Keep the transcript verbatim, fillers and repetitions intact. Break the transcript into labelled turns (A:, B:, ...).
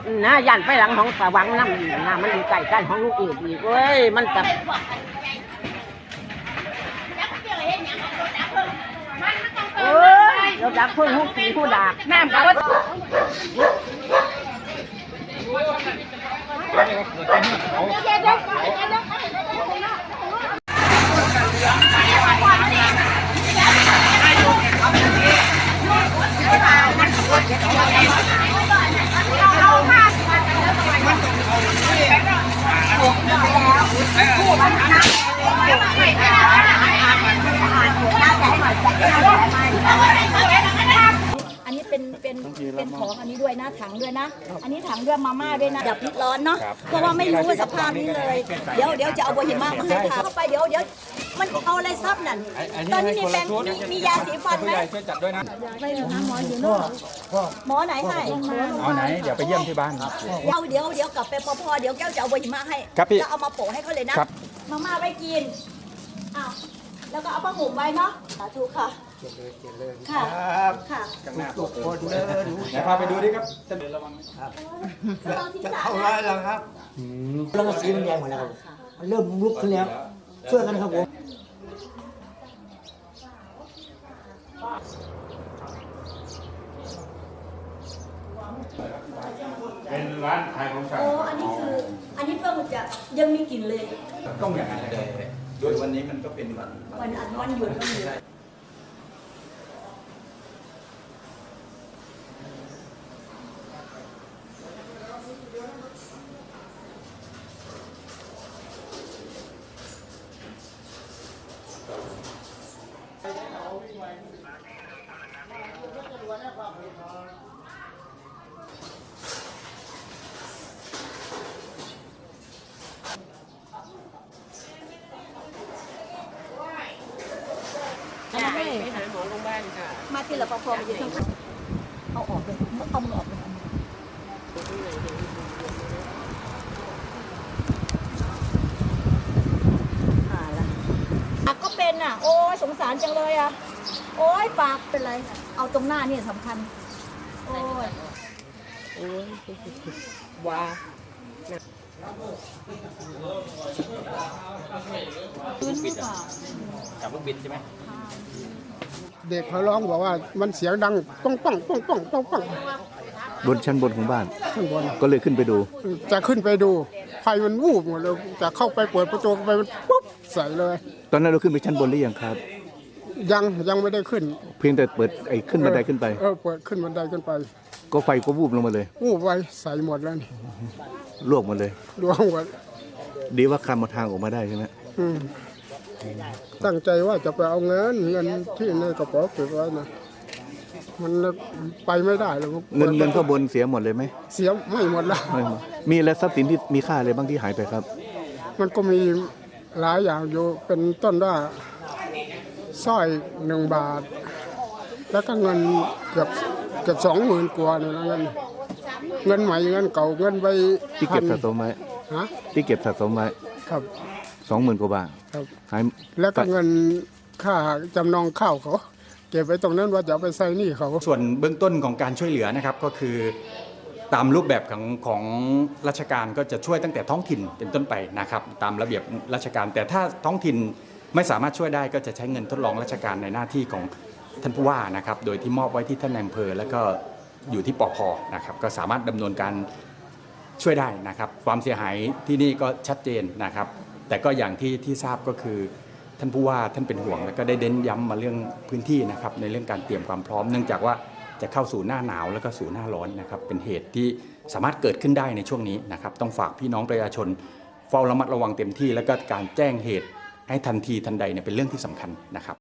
A: นะยันไปหลังของสว่างน้ำน้ำมันอยู่ใกล้กันของลูกอีกอีกเว้ยมันกับเอ้ยเราดักเพิ่งหุบสีผู้ดักน้ำกับว่า
B: อันนี้เป็นเป็นเป็นของอันนี้ด้วยนะถังด้วยนะอันนี้ถังด้วยมาม่าด้วยนะดับพิษร้อนเนาะเพราะว่าไม่รู้สภาพนี้เลยเดี๋ยวเดี๋ยวจะเอาโบหิมะมาให้ทาเข้าไปเดี๋ยวเดี๋ยวมันเอาอะไรซับนั่นตอนนี้มีแปรงมียาสีฟันไหม
C: ช่วยจัดด้วยนะ
B: ไปนะหมออยู่นู่นหมอไหนให้
C: เอาไหนเดี๋ยวไปเยี่ยมที่บ้าน
B: เดี๋ยวเดี๋ยวเดี๋ยวกลับไปพอพอเดี๋ยวแก้วจะเอาโบหิมะให้แล้วเอามาโปะให้เขาเลยนะมาม่าไว้กินอ้าวแล้วก็เอาผ้าห่มไว้เนาะสาธุค่ะค่ะค่ะ
C: ทุกคนเดินเดี๋ยวพาไปดูดิครับจะเดินระวังครับ
B: จะ
D: เข้าร้านแล้วครับแล้วก็สีมันแดงหมดแล้วครับมันเริ่มลุกขึ้นแล้วช่วยกันครับผม
C: เป็นร้านขายของฝาก
B: โอ้อันนี้คืออันนี้เพิ่งจะยังมีกลิ่นเลย
C: ต้องอย่างนั้นเลยโดยวันนี้มันก็เป็นวัน
B: วันอันวันหยุดวันหยุด
A: ไปหาหมอโรงพยาบาลค่ะ
B: มาที่เราพอพอมาอยู่ข้างเอาออกเลยเอามือออกเลยอ่าละปากก็เป็นอ่ะโอ้ยสงสารจังเลยอ่ะโอ้ยปากเป็นไรเอาตรงหน้านี่สำคัญโอ้ย
A: โอ้ยว้า
B: พื้นหรือเปล่า
C: กับลูกบิดใช่ไหม
E: เด็กเขาร้องบอกว่ามันเสียงดังป้องป้องป้องป้องป้องป้อง
F: บนชั้นบนของบ้าน
E: ข้างบน
F: ก็เลยขึ้นไปดู
E: จะขึ้นไปดูไฟมันวูบหมดเลยจะเข้าไปเปิดประตูไปมันปุ๊บใส่เลย
F: ตอนนั้นเราขึ้นไปชั้นบนหรือยังครับ
E: ยังยังไม่ได้ขึ้น
F: เพียงแต่เปิดไอ้ขึ้นบันไดขึ้นไป
E: เออเปิดขึ้นบันไดขึ้นไป
F: ก็ไฟก็วูบลงมาเลย
E: วูบไว้ใส่หมดแล้วนี่
F: ลวกหมดเลย
E: ลวกหมด
F: ดีว่าคลำมาทางออกมาได้ใช่ไหม
E: ตั้งใจว่าจะไปเอาเงินเงินที่ในกระเป๋าเก็บไว้นะมันไปไม่ได้เลย
F: เงินเงินข้างบนเสียหมดเลยไหม
E: เสียไม่หมดแล้ว
F: มีอะไรทรัพย์สินที่มีค่าอะไรบ้างที่หายไปครับ
E: มันก็มีหลายอย่างอยู่เป็นต้นว่าสร้อยหนึ่งบาทแล้วก็เงินเกือบเกือบสองหมื่นกว่าเนี่ยเงินเงินใหม่เงินเก่าเงินไป
F: ที่เก็บสะสมไว้
E: ฮะ
F: ที่เก็บสะสมไว้
E: ครับ
F: สองหมื่นกว่าบาท
E: ครับ
F: หาย
E: แล้วก็เงินค่าจำนองข้าวเขาเก็บไว้ตรงนั้นว่าจะเอาไปใช้หนี้เขา
C: ส่วนเบื้องต้นของการช่วยเหลือนะครับก็คือตามรูปแบบของของราชการก็จะช่วยตั้งแต่ท้องถิ่นเป็นต้นไปนะครับตามระเบียบราชการแต่ถ้าท้องถิ่นไม่สามารถช่วยได้ก็จะใช้เงินทดลองราชการในหน้าที่ของท่านผู้ว่านะครับโดยที่มอบไว้ที่ท่านนายอำเภอแล้วก็อยู่ที่ปภ.นะครับก็สามารถดำเนินการช่วยได้นะครับความเสียหายที่นี่ก็ชัดเจนนะครับแต่ก็อย่างที่ที่ทราบก็คือท่านผู้ว่าท่านเป็นห่วงแล้วก็ได้เน้นย้ำมาเรื่องพื้นที่นะครับในเรื่องการเตรียมความพร้อมเนื่องจากว่าจะเข้าสู่หน้าหนาวแล้วก็สู่หน้าร้อนนะครับเป็นเหตุที่สามารถเกิดขึ้นได้ในช่วงนี้นะครับต้องฝากพี่น้องประชาชนเฝ้าระมัดระวังเต็มที่แล้วก็การแจ้งเหตุให้ทันทีทันใดเนี่ยเป็นเรื่องที่สำคัญนะครับ